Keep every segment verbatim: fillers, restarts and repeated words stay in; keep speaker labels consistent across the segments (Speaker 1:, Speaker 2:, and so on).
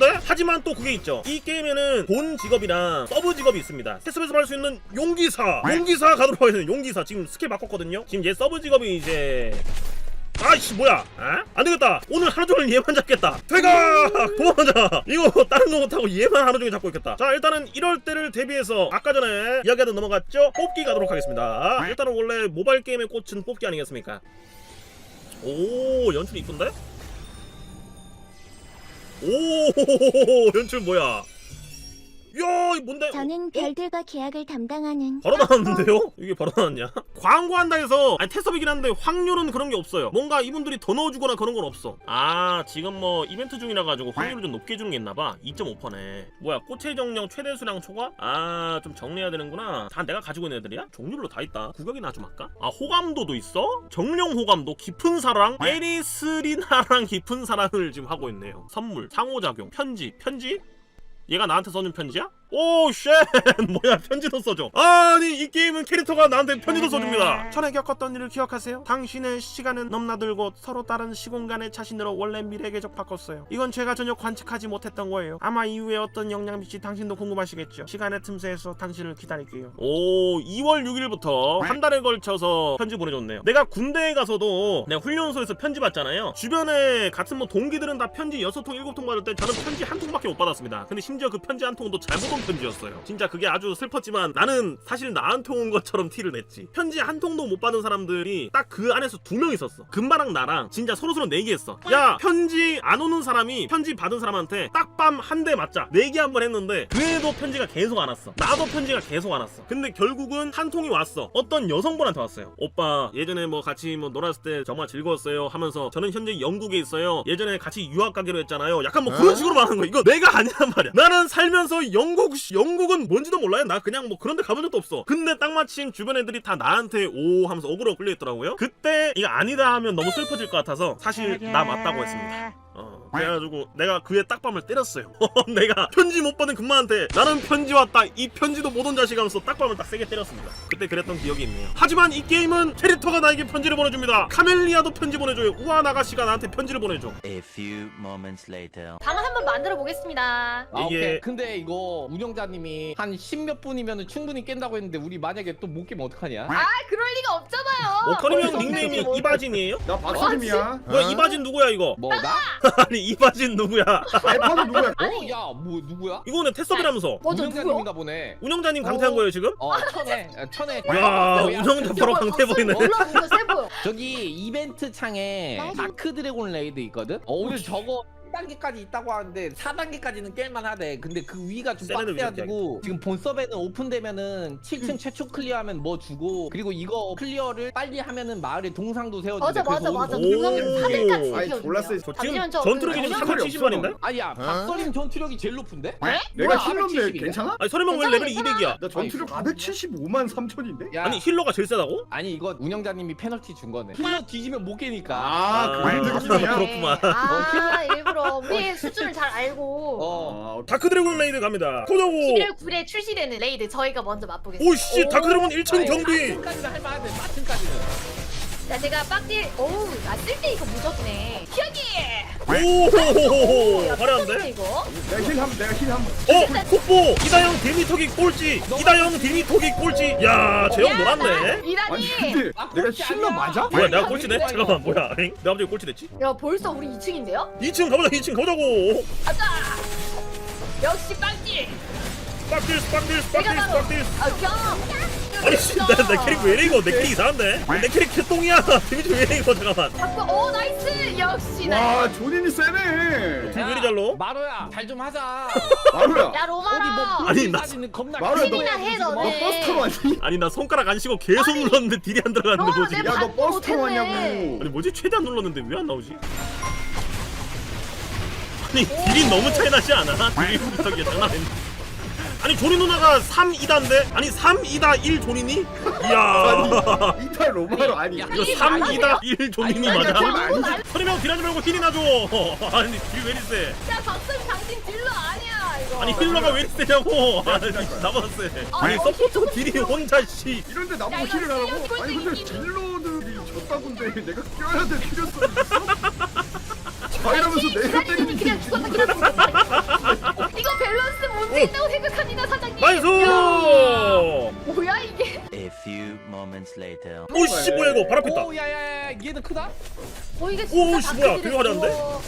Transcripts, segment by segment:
Speaker 1: 이쁜데? 하지만 또 그게 있죠. 이 게임에는 본 직업이랑 서브 직업이 있습니다. 테스트에서 할 수 있는 용기사 용기사 가도록 하겠습니다. 용기사 지금 스킬 바꿨거든요. 지금 얘 서브 직업이 이제 아이씨 뭐야? 아? 안되겠다. 오늘 하루종일 얘만 잡겠다. 퇴가! 도망가자. 이거 다른 거 못하고 얘만 하루종일 잡고 있겠다. 자 일단은 이럴 때를 대비해서 아까 전에 이야기하다 넘어갔죠? 뽑기 가도록 하겠습니다. 일단은 원래 모바일 게임의 꽃은 뽑기 아니겠습니까? 오 연출 이쁜데? 오 연출 뭐야? 야, 이 뭔데?
Speaker 2: 저는 별들과 계약을 담당하는
Speaker 1: 바로 나왔는데요? 이게 바로 나왔냐? 광고한다 해서 아니 테스트이긴 한데 확률은 그런 게 없어요. 뭔가 이분들이 더 넣어주거나 그런 건 없어. 아 지금 뭐 이벤트 중이라 가지고 확률을 좀 높게 주는 게 있나봐. 이 점 오 퍼네. 뭐야 꽃의 정령 최대 수량 초과? 아 좀 정리해야 되는구나. 다 내가 가지고 있는 애들이야? 종류별로 다 있다. 구격이나 좀 할까? 아 호감도도 있어? 정령 호감도 깊은 사랑? 에리스리나랑 깊은 사랑을 지금 하고 있네요. 선물, 상호작용, 편지, 편지? 얘가 나한테 써준 편지야? 오 쉣! 뭐야 편지도 써줘. 아니 이 게임은 캐릭터가 나한테 편지도 써줍니다. 전에 겪었던 일을 기억하세요? 당신의 시간은 넘나들고 서로 다른 시공간의 자신으로 원래 미래 계적 바꿨어요. 이건 제가 전혀 관측하지 못했던 거예요. 아마 이후에 어떤 영향일지 당신도 궁금하시겠죠. 시간의 틈새에서 당신을 기다릴게요. 오 이월 육일부터 한 달에 걸쳐서 편지 보내줬네요. 내가 군대에 가서도 내가 훈련소에서 편지 받잖아요. 주변에 같은 뭐 동기들은 다 편지 여섯 통 일곱 통 받을 때 저는 편지 한 통밖에 못 받았습니다. 근데 심지어 그 편지 한 통도 잘못 온 편지였어요. 진짜 그게 아주 슬펐지만 나는 사실 나한테 온 것처럼 티를 냈지. 편지 한 통도 못 받은 사람들이 딱 그 안에서 두 명 있었어. 금바랑 나랑 진짜 서로서로 내기했어. 야 편지 안 오는 사람이 편지 받은 사람한테 딱밤 한 대 맞자. 내기 한번 했는데 그래도 편지가 계속 안 왔어. 나도 편지가 계속 안 왔어. 근데 결국은 한 통이 왔어. 어떤 여성분한테 왔어요. 오빠 예전에 뭐 같이 뭐 놀았을 때 정말 즐거웠어요 하면서 저는 현재 영국에 있어요. 예전에 같이 유학 가기로 했잖아요. 약간 뭐 그런 식으로 말하는 거야. 이거 내가 아니란 말이야. 나는 살면서 영국 영국은 뭔지도 몰라요. 나 그냥 뭐 그런 데 가본 적도 없어. 근데 딱 마침 주변 애들이 다 나한테 오 하면서 어그로 끌려있더라고요. 그때 이거 아니다 하면 너무 슬퍼질 것 같아서 사실 나 맞다고 했습니다. 어, 그래가지고 내가 그의 딱밤을 때렸어요. 내가 편지 못 받은 금마한테 나는 편지 왔다 이 편지도 못 온 자식 하면서 딱밤을 딱 세게 때렸습니다. 그때 그랬던 기억이 있네요. 하지만 이 게임은 캐릭터가 나에게 편지를 보내줍니다. 카멜리아도 편지 보내줘요. 우아 나가시가 나한테 편지를 보내줘.
Speaker 3: A few moments later.
Speaker 4: 방을 한번 만들어 보겠습니다.
Speaker 5: 아,
Speaker 1: 이게-
Speaker 5: 오케이. 근데 이거 운영자님이 한 십몇 분이면 충분히 깬다고 했는데 우리 만약에 또 못 깨면 어떡하냐?
Speaker 4: 아 그럴 리가 없잖아요.
Speaker 1: 어, 커리형
Speaker 4: 어디서
Speaker 1: 닉네임이
Speaker 4: 뭐-
Speaker 1: 이바진이에요?
Speaker 6: 나 박사님이야.
Speaker 1: 뭐야 이바진 누구야 이거?
Speaker 5: 뭐 나?
Speaker 1: 아니 이바진 누구야?
Speaker 6: 알파는 누구야?
Speaker 5: 어? 야, 뭐 누구야?
Speaker 1: 이거는 테스업이라면서
Speaker 4: 맞아 누구야?
Speaker 5: 운영자님인가 보네.
Speaker 1: 운영자님 강퇴한 거예요 지금?
Speaker 5: 어, 천에, 어, 천에.
Speaker 1: 야 운영자 바로 강퇴 보이네.
Speaker 4: 몰라 이거 세 보여.
Speaker 5: 저기 이벤트 창에 다크 드래곤 레이드 있거든? 어, 오늘 저거 단계까지 있다고 하는데 사 단계까지는 깰만 하대. 근데 그 위가 좀
Speaker 1: 세레는
Speaker 5: 빡세가지고 지금 본 서버는 오픈되면은 칠 층 최초 클리어하면 뭐 주고 그리고 이거 클리어를 빨리 하면은 마을에 동상도 세워주고.
Speaker 4: 맞아 맞아 맞아.
Speaker 1: 오.
Speaker 4: 동영상 사 등까지
Speaker 6: 아니,
Speaker 4: 지켜주네요.
Speaker 6: 졸라 세.
Speaker 1: 저 지금
Speaker 4: 잠시만, 저
Speaker 1: 전투력이
Speaker 4: 그
Speaker 1: 지금
Speaker 6: 전혀
Speaker 1: 삼백칠십만인데?
Speaker 5: 아야 박서림 전투력이 제일 높은데?
Speaker 6: 내가
Speaker 5: 뭐야,
Speaker 6: 힐러인데
Speaker 5: 사백칠십인데?
Speaker 6: 괜찮아?
Speaker 1: 아니 서리명 왜
Speaker 4: 괜찮아,
Speaker 1: 레벨이
Speaker 4: 괜찮아.
Speaker 1: 이백이야?
Speaker 6: 나 전투력 사백칠십오만 삼천인데?
Speaker 5: 야,
Speaker 1: 아니 힐러가 제일 세다고?
Speaker 5: 아니 이거 운영자님이 페널티 준 거네. 힐러 뒤지면 못 깨니까.
Speaker 6: 아,
Speaker 1: 아,
Speaker 6: 그 느낌이야?
Speaker 1: 그렇구만.
Speaker 4: 아 일부러 우리의 수준을 잘 알고.
Speaker 5: 어.
Speaker 6: 아,
Speaker 1: 다크드래곤 레이드 갑니다. 고정우.
Speaker 4: 십일월 구일에 출시되는 레이드 저희가 먼저 맛보겠습니다.
Speaker 1: 오씨 다크드래곤 일 층 경비.
Speaker 5: 마틴까지는 할만한데 마틴까지는.
Speaker 4: 자 제가 빡딜 어우 나 쓸 때 이거 무적이네. 여기.
Speaker 1: 오호호호호
Speaker 4: 야,
Speaker 1: 화려한데?
Speaker 4: 이거.
Speaker 6: 내가 힐 한번 내가 힐 한번.
Speaker 1: 어 콧보 이다영 데미터기 꼴찌. 이다영 데미터기 꼴찌. 야 재영 놀았네.
Speaker 4: 이다니.
Speaker 6: 아니 근데
Speaker 5: 아,
Speaker 6: 내가
Speaker 5: 꼴찌
Speaker 6: 힐러
Speaker 5: 아니야.
Speaker 6: 맞아?
Speaker 1: 뭐야 내가 꼴찌네? 잠깐만 뭐야? 엥? 내가 갑자기 꼴찌 됐지?
Speaker 4: 야 벌써 우리 이 층인데요?
Speaker 1: 이 층 가보자 이 층 가자고.
Speaker 4: 가자. 역시 빡딜.
Speaker 1: 빡딜 빡딜
Speaker 4: 내가
Speaker 1: 빡딜
Speaker 4: 바로.
Speaker 1: 빡딜.
Speaker 4: 아 경.
Speaker 1: 아니 씨나내 캐릭 왜 이래 이거 내 캐릭 이상한데? 내 캐릭 개똥이야. 데미지 왜 이래 이거 잠깐만.
Speaker 4: 바꿔. 오 나이스. 역시 나이스.
Speaker 6: 와 조닌이 세네.
Speaker 1: 왜 이리 잘로?
Speaker 5: 마로야 잘 좀 하자.
Speaker 6: 마루야.
Speaker 4: 야
Speaker 5: 어디 뭐
Speaker 4: 로마라.
Speaker 1: 아니, 나-
Speaker 5: 까지는 겁나
Speaker 6: 마루야, 너-
Speaker 5: 길게
Speaker 4: 해,
Speaker 5: 해야지,
Speaker 4: 너네.
Speaker 6: 너
Speaker 5: 뭐.
Speaker 6: 버스터로 왔니?
Speaker 1: 아니 나 손가락 안 쉬고 계속 눌렀는데 딜이 안 들어갔는데
Speaker 4: 너
Speaker 1: 뭐지?
Speaker 4: 내
Speaker 6: 야 너
Speaker 4: 반도
Speaker 6: 버스터로
Speaker 4: 못했네.
Speaker 6: 왔냐고.
Speaker 1: 아니 뭐지? 최대한 눌렀는데 왜 안 나오지? 아니 딜이 너무 차이 나지 않아? 딜이 부탁이야 장난 아닌데. 아니 조리 누나가 삼 이다인데? 아니 삼 이다 일 조리니? 이야
Speaker 6: 아니 이탈 로마로 아니.
Speaker 5: 야,
Speaker 1: 이거 삼 이다 일 조리니
Speaker 6: 아니,
Speaker 1: 맞아?
Speaker 6: 아니, 아니, 아니.
Speaker 1: 서리명 딜하지 말고 힐이나 줘. 아니 딜 왜 이리 세?
Speaker 4: 야 박승 당신 딜러 아니야 이거.
Speaker 1: 아니 힐러가 왜 이리 세냐고. 아니 나보다 세. 아니
Speaker 4: 어,
Speaker 1: 서포터 딜이 혼자 씨.
Speaker 6: 이런데
Speaker 4: 야,
Speaker 6: 나보고
Speaker 4: 이거
Speaker 6: 힐을 하라고?
Speaker 4: 실력
Speaker 6: 아니 근데
Speaker 4: 이기기.
Speaker 6: 딜러들이 졌다군데 내가 껴야 될 필요성이 있어? 자 이러면서 내가 때리는 게
Speaker 4: 그냥 죽었다 그냥 죽었다. 이거 밸런스 문제 있다고 생각합니다 사장님.
Speaker 1: 나이스!
Speaker 4: 야, 뭐야 이게?
Speaker 3: A few moments later.
Speaker 1: 오씨 뭐야 이거 바로 폈다.
Speaker 5: 오 야야야 얘는 크다?
Speaker 4: 어 이게
Speaker 1: 오,
Speaker 4: 진짜
Speaker 1: 씨, 뭐야,
Speaker 4: 다크딜이네,
Speaker 1: 되게 화려한데?
Speaker 4: 이거.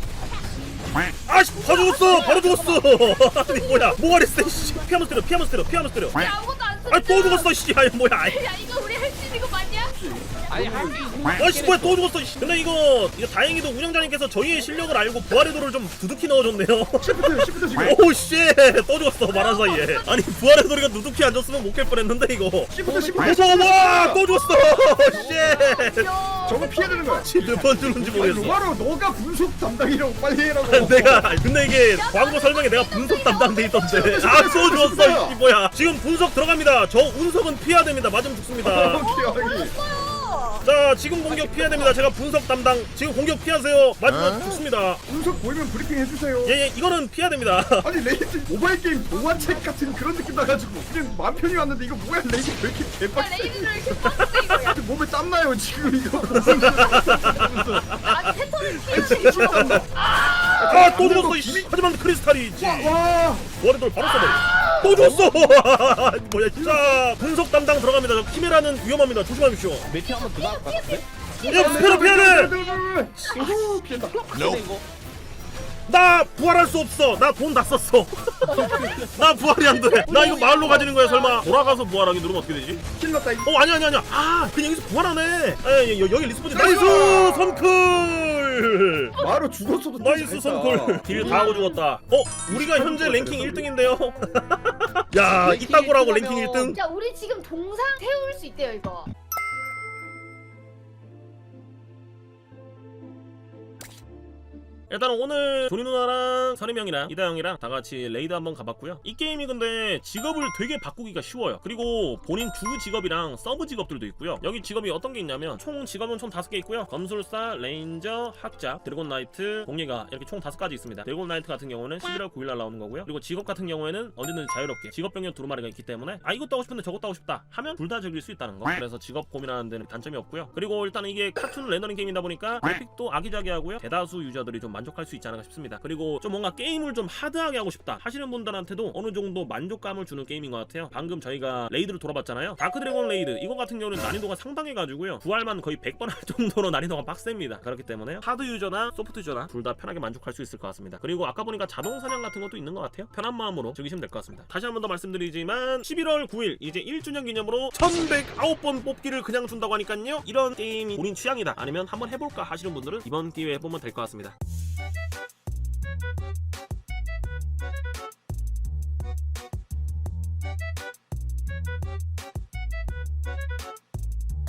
Speaker 1: 아씨 바로 죽었어 바로 죽었어. 아니 뭐야 뭐가 됐어 씨. 피하면서 때려 피하면서 때려 피하면서 때려.
Speaker 4: 야 아무것도 안 써.
Speaker 1: 아니 또 죽었어 씨. 아니 뭐야 아이.
Speaker 4: 야 이거 우리 할 수 있는 거 맞냐?
Speaker 5: 아니 할수
Speaker 1: 아씨 뭐야 또 죽었어 씨. 근데 이거 이거 다행히도 운영자님께서 저희의 실력을 알고 부활의 돌을 좀 두둑히 넣어줬네요.
Speaker 6: 시프트 시프트 지금
Speaker 1: 오씨또 죽었어 말한 사이에. 아니 부활의 돌이가 누둑히 안 줬으면 못 깰 뻔했는데 이거.
Speaker 6: 시프트 시프트
Speaker 1: 무서워 또 죽었어. 씨.
Speaker 4: 야.
Speaker 6: 저거 피해야 되는 거야.
Speaker 1: 몇번 죽는지
Speaker 6: 아니
Speaker 1: 모르겠어.
Speaker 6: 로마로 너가 분석 담당이라고 빨리 해라고.
Speaker 1: 내가 근데 이게 광고 설명에 내가 분석 담당돼 있던데. 아또 죽었어 씨 뭐야. 지금 분석 들어갑니다. 저 운석은 피해야 됩니다. 맞으면 죽습니다.
Speaker 6: 오케이 오케이.
Speaker 4: 어.
Speaker 1: 자 지금 공격 피해야 됩니다. 제가 분석 담당. 지금 공격 피하세요. 맞으면 죽습니다.
Speaker 6: 분석 보이면 브리핑 해주세요.
Speaker 1: 예예 이거는 피해야 됩니다.
Speaker 6: 아니 레이드 모바일 게임 동화책 같은 그런 느낌 나가지고 그냥 맘 편히 왔는데 이거 뭐야 레이드 왜 이렇게
Speaker 4: 야
Speaker 6: 개빡세?
Speaker 4: 레이드를 이렇게 빡세 이거. 야
Speaker 6: 몸에 땀 나요 지금 이거.
Speaker 4: 아니 패턴을 피해.
Speaker 1: 아또 죽었어 이씨. 하지만 크리스탈이 있지.
Speaker 6: 와.
Speaker 1: 월드돌 바로 써버려. 또 죽었어. 뭐야 진짜 분석 담당 들어갑니다. 저 키메라는 위험합니다. 조심하십시오.
Speaker 5: 매트 한번 들어갈 것 같은데?
Speaker 1: 야 스페로 피해야 돼.
Speaker 6: 오 피했다.
Speaker 5: 근데 이거
Speaker 1: 나 부활할 수 없어. 나 돈 다 썼어. 나 부활이 안 돼. 나 이거 마을로 가지는 거야 설마. 돌아가서 부활하기 누르면 어떻게 되지?
Speaker 6: 킬났다 이거.
Speaker 1: 어 아니 아니 아니야. 아 그냥 여기서 부활하네. 에 여기 리스폰지 나이스 선클.
Speaker 6: 마로 죽었어도
Speaker 1: 나이스 선클. 딜 다 하고 죽었다. 어 우리가 현재 랭킹 일 등인데요. 야 이따구라고 랭킹 일 등.
Speaker 4: 야 우리 지금 동상 세울 수 있대요 이거.
Speaker 1: 일단 오늘 조리 누나랑 서림 형이랑 이다 형이랑 다 같이 레이드 한번 가봤고요. 이 게임이 근데 직업을 되게 바꾸기가 쉬워요. 그리고 본인 주 직업이랑 서브 직업들도 있고요. 여기 직업이 어떤 게 있냐면 총 직업은 총 다섯 개 있고요. 검술사, 레인저, 학자, 드래곤 나이트, 공예가 이렇게 총 다섯 가지 있습니다. 드래곤 나이트 같은 경우는 십일월 구일날 나오는 거고요. 그리고 직업 같은 경우에는 언제든지 자유롭게 직업 병력 두루마리가 있기 때문에 아 이것도 하고 싶은데 저것도 하고 싶다 하면 둘 다 즐길 수 있다는 거. 그래서 직업 고민하는 데는 단점이 없고요. 그리고 일단 이게 카툰 렌더링 게임이다 보니까 그래픽도 아기자기하고요. 대다수 유저들이 좀 만족할 수 있지 않을까 싶습니다. 그리고 좀 뭔가 게임을 좀 하드하게 하고 싶다 하시는 분들한테도 어느 정도 만족감을 주는 게임인 것 같아요. 방금 저희가 레이드를 돌아봤잖아요. 다크 드래곤 레이드 이거 같은 경우는 난이도가 상당해가지고요. 부활만 거의 백 번 할 정도로 난이도가 빡셉니다. 그렇기 때문에 하드 유저나 소프트 유저나 둘 다 편하게 만족할 수 있을 것 같습니다. 그리고 아까 보니까 자동 사냥 같은 것도 있는 것 같아요. 편한 마음으로 즐기시면 될 것 같습니다. 다시 한 번 더 말씀드리지만 십일월 구일 이제 일 주년 기념으로 천백구 번 뽑기를 그냥 준다고 하니까요. 이런 게임이 본인 취향이다 아니면 한번 해볼까 하시는 분들은 이번 기회에 해보면 될 것 같습니다.